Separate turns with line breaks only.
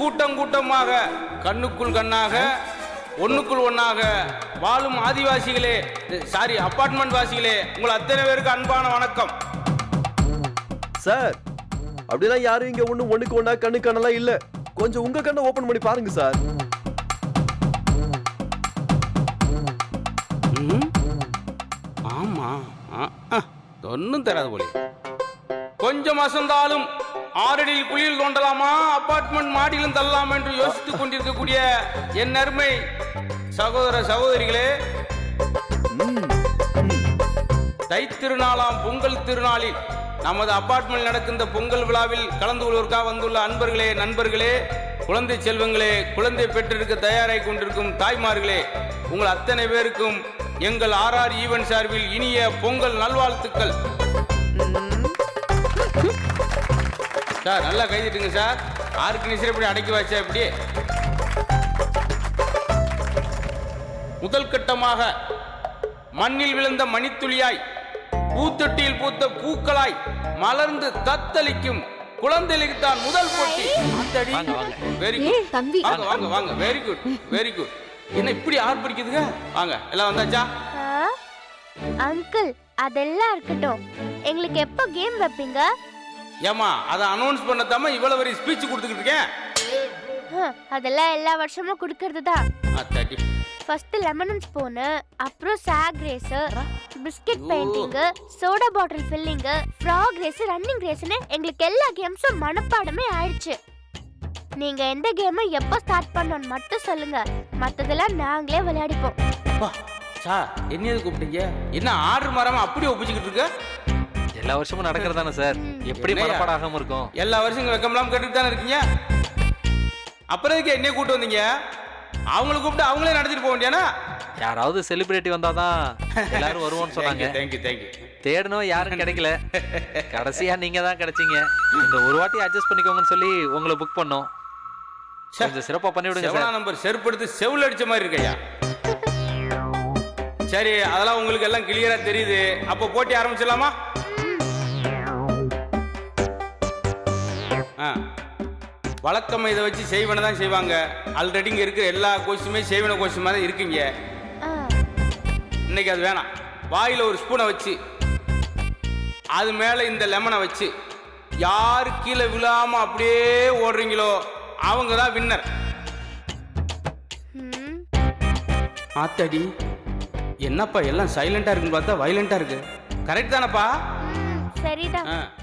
கூட்டம் கூட்டமாக கண்ணுக்குள் கண்ணாக ஒண்ணுக்குள் ஒண்ணாக வாழும் ஆதிவாசிகளே, சாரி அபார்ட்மெண்ட் வாசிகளே, உங்கள் அத்தனை பேருக்கு அன்பான வணக்கம்.
சார், அப்படிலாம் யாரும் இங்க ஒண்ணுக்கு ஒண்ணா கண்ணு கண்ணெல்லாம் இல்ல. கொஞ்சம் உங்க கண்ணை ஓபன் பண்ணி பாருங்க சார்.
ஆமா, ஒன்னும் தராது போல. கொஞ்சம் அசந்தாலும் ஆறடியில் குளியில் தோண்டலாமா, அபார்ட்மெண்ட் மாடியிலும் தள்ளலாமா என்று யோசித்துக் கொண்டிருக்கக்கூடிய என் அருமை சகோதர சகோதரிகளே, தை திருநாளாம் பொங்கல் திருநாளில் நமது அபார்ட்மெண்ட் நடக்கின்ற பொங்கல் விழாவில் கலந்து கொள்வதற்காக வந்துள்ள அன்பர்களே, நண்பர்களே, குழந்தை செல்வங்களே, குழந்தை பெற்றெடுக்க தயாராகி கொண்டிருக்கும் தாய்மார்களே, உங்கள் அத்தனை பேருக்கும் எங்கள் ஆர்ஆர் ஈவென்ட் சார்பில் இனிய பொங்கல் நல்வாழ்த்துக்கள். சார் நல்லா கைதிட்டுங்க சார். ஆர்கனைசர் எப்படி அடக்கி வச்சா எப்படி? முதல் கட்டமாக மண்ணில் விழுந்த மணித்துளியாய், பூத்தொட்டியில் பூத்த பூக்களாய் மலர்ந்து தத்தளிக்கும் குழந்தைகளுக்கு தான் முதல் போட்டி. வெரி குட், வாங்க வாங்க வாங்க. Very good very good. என்ன இப்படி ஆர்ப்பரிக்குதுங்க? வாங்க எல்லாம் வந்தாச்சா?
அங்கிள் அதெல்லாம் இருக்கட்டும், எங்களுக்கு எப்போ கேம் வைப்பீங்க?
ஏமா அதை அனௌன்ஸ் பண்ணதாம இவ்வளவு வரை ஸ்பீச் கொடுத்துக்கிட்டு இருக்கேன்.
அதெல்லாம் எல்லா வருஷமும் கொடுக்கறது தான். ஃபர்ஸ்ட் லெமன் ஸ்பூன், அப்புறம் sack race, biscuit painting, soda bottle filling, frog race, running ரேஸ்னு எங்களுக்கு எல்லா கேம்ஸும் மனப்பாடமே ஆயிடுச்சு. நீங்க எந்த கேமை எப்போ ஸ்டார்ட் பண்ணணும்னு மட்டும் சொல்லுங்க, மத்ததெல்லாம் நாங்களே விளையாடிப்போம்.
சார் என்ன கூப்பிட்டீங்க? என்ன ஆர்டர் மாறாம அப்படியே ஒப்பிச்சுக்கிட்டு இருக்க?
எல்லா வருஷமும் நடக்கிறதானே சார், எப்படி மனப்பாடம் ஆகாம இருக்கும்?
எல்லா வருஷம் இங்க வெக்கம்லாம் கேட்டுட்டு தானே இருக்கீங்க. அப்புறம் எதுக்கு என்னைய கூப்பிட்டு வந்தீங்க? அவங்களை கூப்பிட்டு அவங்களே நடத்திட்டு போக வேண்டியானா?
யாராவது செலிபிரிட்டி வந்தாதான் எல்லாரும் வருவோம்னு சொன்னாங்க.
Thank you thank you.
தேடணும், யாரும் கிடைக்கல. கடைசியா நீங்க தான் கிடைச்சீங்க. இந்த ஒரு வாட்டி அட்ஜஸ்ட் பண்ணிக்கோங்கன்னு சொல்லி உங்களை புக் பண்ணோம். கொஞ்சம் சிறப்பா பண்ணி விடுங்க சார்.
நம்பர் செருப்படுத்து செவுல் அடிச்ச மாதிரி இருக்கையா? சரி, அதெல்லாம் உங்களுக்கு எல்லாம் கிளியரா தெரியுது. அப்போ போட்டி ஆரம்பிச்சிடலாமா? வழக்கம் இதை வச்சு செய்வன தான் செய்வாங்க. ஆல்ரெடி இங்க இருக்கிற எல்லா கோஷுமே செய்வன கோஷமா தான் இருக்கீங்க. இன்னைக்கு அது வேணாம். வாயில ஒரு ஸ்பூனை வச்சு அது மேல இந்த லெமனை வச்சு யாரு கீழே விழாம அப்படியே ஓடுறீங்களோ அவங்க தான் வின்னர். ஆத்தாடி, என்னப்பா எல்லாம் சைலண்டா இருக்குன்னு பார்த்தா வைலண்டா இருக்கு. கரெக்ட் தானப்பா?
சரிதான்.